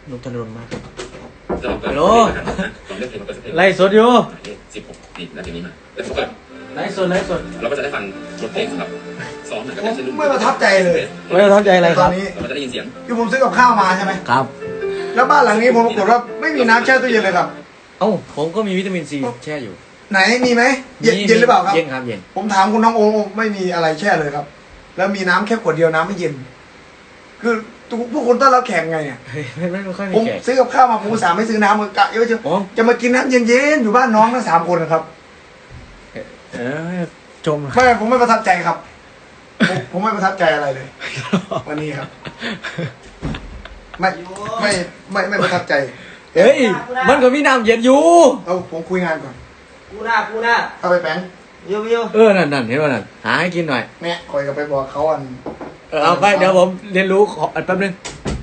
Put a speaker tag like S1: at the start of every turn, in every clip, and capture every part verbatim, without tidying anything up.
S1: นกธนดลมาก
S2: ฮัลโหล
S1: ไล่สดอยู่
S2: สิบหกนี่นาทีนี้มาแล้วเขาเปิด
S1: ไล่สดไล่สด
S2: เราก็จะได้ฟังบทเพลงสำหรับซ้อมหนังกับ
S3: ผม
S2: เช่น
S3: ไม่ประทับใจเลย
S1: ไม่ประทับใจอะไรค
S3: ตอ
S1: รับ
S3: นนี้
S2: เราก็จะได้ยินเสียง
S3: คือผมซื้อกับข้าวมาใช่ไหม
S1: ครับ
S3: แล้วบ้านหลังนี้ผมปรากฏว่าไม่มีน้ำแช่ตู้เย็นเลยครับ
S1: เอ้าผมก็มีวิตามินซีแช่อยู่
S3: ไหนมีไหมเย็นเย็นหรือเปล่าครับ
S1: เย็นครับเย็น
S3: ผมถามคุณน้องโอไม่มีอะไรแช่เลยครับ แล้วมีน้ำแค่ขวดเดียวน้ำไม่เย็น คือพวกคุณต้อนรับแขกไงเนี่ย
S1: เฮ้ยไม่ไม่ไม่ค่อยมี
S3: ผม
S1: แขก
S3: ซื้อกับข้าวมาผมอุตสาห์ไม่ซื้อน้ำมากะเยอะเชียว
S1: อ๋อ
S3: จะมากินน้ำเย็นๆอยู่บ้านน้องทั้งสามคนนะครับ
S1: เออจม
S3: ไม่ผมไม่ประทับใจครับผมผมไม่ประทับใจอะไรเลย วันนี้ครับ ไม่ไม่ไม่ไม่ประทับใจ
S1: เฮ้ยมันก็มีน้ำเย็นอยู่
S3: เอาผมคุยงานก่อน
S4: กูหน้ากูหน้า
S3: เข้าไปแป้ง
S4: โยโย่
S1: เออนั่นนั่นเห็นป่ะนั่นหาให้กินหน่อย
S3: เนี่ยคอยกับไปบอกเขาอัน
S1: เออเอาไปเดี๋ยวผมเรียนรู้ขออันแป๊บนึง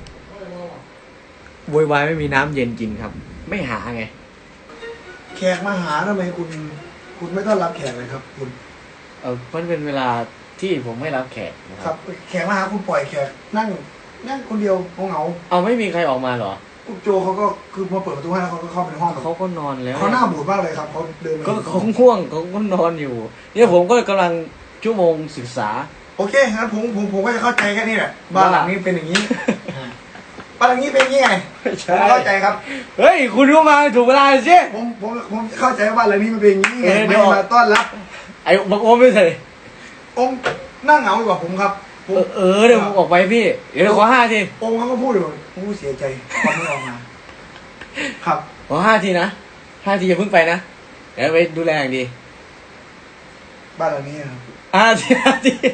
S1: โวยวายไม่มีน้ำเย็นกินครับ ไม่หาไง
S3: แขกมาหาทำไมคุณ คุณไม่ต้อนรับแขกเลยครับ คุณ
S1: เออมันเป็นเวลาที่ผมไม่รับแขกนะค
S3: ครั
S1: รั
S3: บบ แขกมาหาคุณปล่อยแขกนั่งนั่งคนเดียวเหงา
S1: เอาไม่มีใครออกมาเหรอ
S3: ๆคุณโจเขาก็คือมาเปิดประตูให้แล้วเขาก็เข้าไปในห้อง
S1: เขาก็นอนแล้ว
S3: เขาหน้าบูดมากเลยครับเขาเดินมา
S1: ก็เขาง่วงเขาก็นอนอยู่ เนี่ยผมก็กำลังชั่วโมงศึกษา
S3: โอเคงั้นผมผมผมก็จะเข้าใจแค่นี้แหละบ้านหลังนี้เป็นอย่างนี้ บ้านหลังนี้เป็นอย่างนี้ไงผมเข้าใจครับ
S1: เฮ้ยคุณก็มาถูกเวลาสิ
S3: ผมผมผมเข้าใจว่าบ้านหลังนี้มันเป็นอย่างนี้ไง
S1: เออเดี๋
S3: ไม่
S1: ยว
S3: มาต้อนรับ
S1: ไอ้บักโอมไม่ใส่
S3: องค์นั่งเหงาอยู่กับผมครับผ
S1: เอ
S3: ม
S1: อเออเดี๋ยวผมออกไปพี่ เดี๋ยวขอห้าที
S3: องค์เขาก็พูดอยู่ผมเสียใจความไม่ออกมาครับ
S1: ขอห้าทีนะห้าทีอย่าเพิ่งไปนะ เดี๋ยวไปดูแลอย่างดี
S3: บ้านหลังนี้ครับ
S1: ห้าทีห้าที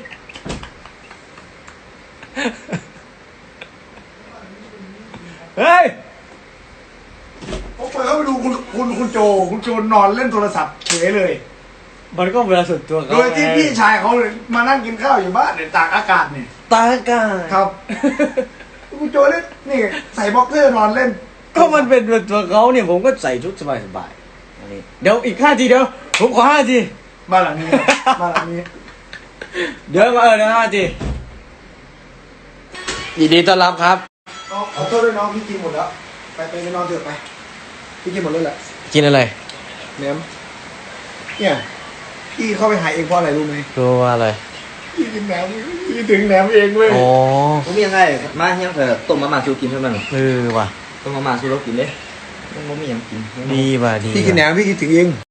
S1: เฮ้ย
S3: ผมเปิดเข้าไปดูคุณคุณคุณโจคุณโจนอนเล่นโทรศัพท์เฉยเลย
S1: มันก็เวลาส่วนตัวเขา
S3: โดยที่พี่ชายเขาเลยมานั่งกินข้าวอยู่บ้านเนี่ยตากอากาศเนี่ย
S1: ตาอากาศ
S3: ครับ คุณโจเล่นนี่ใส่บ็อกเซอร์นอนเล่น
S1: ก็มันเป็นส่วนตัวเขาเนี่ยผมก็ใส่ชุดสบายๆอันนี้เดี๋ยวอีกห้าทีเดี๋ยวผมขอห้าที
S3: บ้านหลังนี้ครับบ้านหลังนี้
S1: เดี๋ยวมาเออเดี๋ยวห้าทียินดีต้อนรับครับ
S3: เอาขอโทษด้วยน้องพี่กินหมดแล้ว ไปไปไปนอนเถอะไป พี่กินหมดเลยแหละ
S1: กินอะไร
S3: แหนมเนี่ยพี่เข้าไปหาเองเพราะอะไรรู้ไหม
S1: รู้ว่าอะไร
S3: พี่กินแหนมพี่ถึงแหนมเองเลย
S1: อ๋อ
S4: ผมมียังไงมาเฮียงเถอะต้มมาม่าชูกินเท่านั้น
S1: เออว่ะ
S4: ต้มมาม่าชูเรากินเลยมันไม่มีอย่างกิน
S1: ดีว่ะดี
S3: พี่กินแหนมพี่คิดถึงเอง